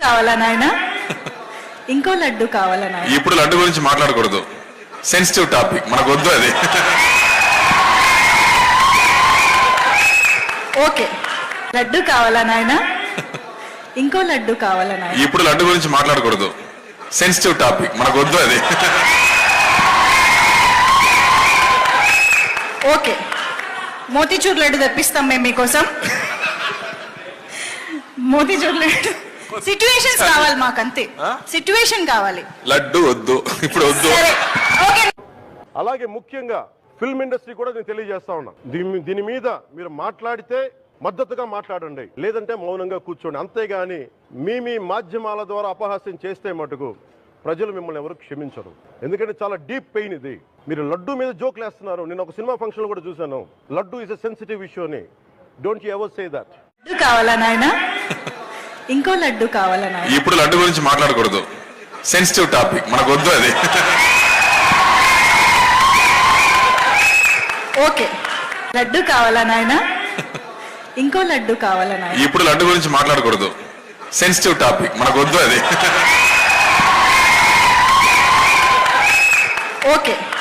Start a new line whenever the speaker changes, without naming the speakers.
కావాలా నాయనా? ఇంకో లడ్డు కావాలా నాయనా?
ఇప్పుడు లడ్డు గురించి మాట్లాడకూడదు, సెన్సిటివ్ టాపిక్, మనకు వద్దు అది.
ఓకే, లడ్డు కావాలా నాయనా? ఇంకో లడ్డు కావాలా నాయనా?
ఇప్పుడు లడ్డు గురించి మాట్లాడకూడదు, సెన్సిటివ్ టాపిక్, మనకు వద్దు అది.
ఓకే, మోతీచూర్ లడ్డు తెప్పిస్తాం మేము మీకోసం. మోతీచూర్ లడ్డు సిట్యుయేషన్స్ కావాలి మాకంతే, సిట్యుయేషన్ కావాలి.
లడ్డు వద్దు, ఇప్పుడు వద్దు.
సరే, ఓకే.
అలాగే ముఖ్యంగా ఫిల్మ్ ఇండస్ట్రీ కూడా నేను తెలియజేస్తా ఉన్నా, దీని మీద మీరు మాట్లాడితే మద్దతుగా మాట్లాడండి, లేదంటే మౌనంగా కూర్చోండి. అంతేగాని మీ మాధ్యమాల ద్వారా అపహాస్యం చేస్తే మటుకు ప్రజలు మిమ్మల్ని ఎవరు క్షమించరు. ఎందుకంటే చాలా డీప్ పెయిన్ ఇది. మీరు లడ్డు మీద జోక్లు వేస్తున్నారు. నేను ఒక సినిమా ఫంక్షన్ కూడా చూశాను, laddu is a sensitive issue అని. Don't you ever say that.
Laddu కావాలా నాయనా? ఇంకో లడ్డు కావాలా నాయనా?
ఇప్పుడు లడ్డు గురించి మాట్లాడకూడదు, సెన్సిటివ్ టాపిక్, మనకు వద్దు అది.
ఓకే, లడ్డు కావాలా నాయనా? ఇంకో లడ్డు కావాలా నాయనా?
ఇప్పుడు లడ్డు గురించి మాట్లాడకూడదు, సెన్సిటివ్ టాపిక్, మనకు వద్దు అది.
ఓకే,